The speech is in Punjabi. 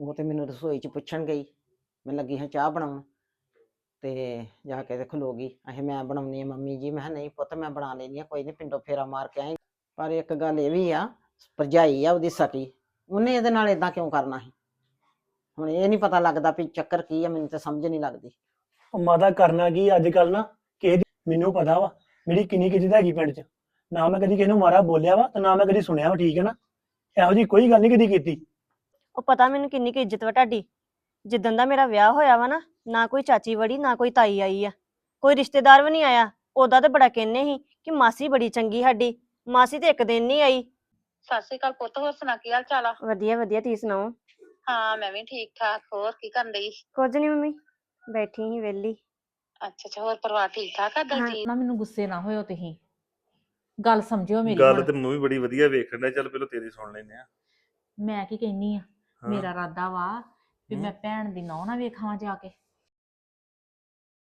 ਉਹ ਤੇ ਮੈਨੂੰ ਰਸੋਈ 'ਚ ਪੁੱਛਣ ਗਈ, ਮੈਂ ਲੱਗੀ ਹਾਂ ਚਾਹ ਬਣਾਉਣ ਤੇ ਜਾ ਕੇ ਤੇ ਖਲੋ ਗਈ। ਅਹੇ ਮੈਂ ਬਣਾਉਣੀ ਆ ਮੰਮੀ ਜੀ। ਮੈਂ ਕਿਹਾ ਨਹੀਂ ਪੁੱਤ ਮੈਂ ਬਣਾ ਲੈਂਦੀ ਆ, ਕੋਈ ਨਹੀਂ ਪਿੰਡੋਂ ਫੇਰਾ ਮਾਰ ਕੇ ਆਏ। ਪਰ ਇੱਕ ਗੱਲ ਇਹ ਵੀ ਆ, ਭਰਜਾਈ ਆ ਉਹਦੀ ਸਕੀ, ਉਹਨੇ ਇਹਦੇ ਨਾਲ ਏਦਾਂ ਕਿਉਂ ਕਰਨਾ ਸੀ? ਹੁਣ ਇਹ ਨਹੀਂ ਪਤਾ ਲੱਗਦਾ ਵੀ ਚੱਕਰ ਕੀ ਆ, ਮੈਨੂੰ ਤਾਂ ਸਮਝ ਨਹੀਂ ਲੱਗਦੀ। ਉਹ ਮਾਤਾ ਕਰਨਾ ਕੀ ਅੱਜ ਕੱਲ ਨਾ, ਕਿਸੇ ਦੀ ਮੈਨੂੰ ਪਤਾ ਵਾ ਮੇਰੀ ਕਿੰਨੀ ਇੱਜ਼ਤ ਹੈਗੀ ਪਿੰਡ 'ਚ। ਨਾ ਮੈਂ ਕਦੀ ਕਿਸੇ ਨੂੰ ਮਾਰਾ ਬੋਲਿਆ ਵਾ ਤੇ ਨਾ ਮੈਂ ਕਦੀ ਸੁਣਿਆ ਵਾ, ਠੀਕ ਹੈ ਨਾ। ਇਹੋ ਜਿਹੀ ਕੋਈ ਗੱਲ ਨਹੀਂ ਕਦੀ ਕੀਤੀ। ਉਹ ਪਤਾ ਮੈਨੂੰ ਕਿੰਨੀ ਕੁ ਇੱਜ਼ਤ ਵਾ ਤੁਹਾਡੀ। ਜਿੱਦਣ ਦਾ ਮੇਰਾ ਵਿਆਹ ਹੋਇਆ ਵਾ ਨਾ ਕੋਈ ਚਾਚੀ ਵੜੀ ਨਾ ਕੋਈ ਤਾਈ ਆਈ ਆ, ਕੋਈ ਰਿਸ਼ਤੇਦਾਰ ਵੀ ਨਹੀਂ ਆਇਆ। ਉਦਾਂ ਤਾਂ ਬੜਾ ਕਹਿੰਦੇ ਸੀ ਕਿ ਮਾਸੀ ਬੜੀ ਚੰਗੀ ਸਾਡੀ, ਮਾਸੀ ਤੇ ਇੱਕ ਦਿਨ ਨਹੀਂ ਆਈ। ਸਤਿ ਸ਼੍ਰੀ ਅਕਾਲ ਪੁੱਤ, ਹੋਰ ਸੁਣਾ ਕੀ ਹਾਲ ਚਾਲ ਆ? ਵਧੀਆ ਵਧੀਆ, ਤੁਸੀਂ ਸੁਣਾਓ? ਹਾਂ ਮੈਂ ਵੀ ਠੀਕ ਠਾਕ। ਹੋਰ ਕੀ ਕਰਨ ਡਈ? ਕੁਝ ਨਹੀਂ ਮੰਮੀ, ਬੈਠੀ ਸੀ ਵਿਹਲੀ। ਅੱਛਾ ਅੱਛਾ, ਹੋਰ ਪਰਿਵਾਰ ਠੀਕ ਠਾਕ ਆ ਦਲਜੀਤ? ਨਾ ਮੈਨੂੰ ਗੁੱਸੇ ਨਾ ਹੋਇਓ, ਤੁਸੀਂ ਗੱਲ ਸਮਝਿਓ ਮੇਰੀ। ਗੱਲ ਹੁਣ ਤੇ ਮੈਨੂੰ ਵੀ ਬੜੀ ਵਧੀਆ ਵੇਖਣ ਡਿਆ, ਚੱਲ ਪਹਿਲਾਂ ਤੇਰੀ ਸੁਣ ਲੈਨੇ ਆ। ਮੈਂ ਕੀ ਕਹਿੰਨੀ ਆ, ਹਾਂ। ਮੇਰਾ ਇਰਾਦਾ ਵਾ ਵੀ ਹਮ। ਮੈਂ ਭੈਣ ਦੀ ਨਹੁੰ ਨਾ ਵੇਖਾਂ ਜਾ ਕੇ।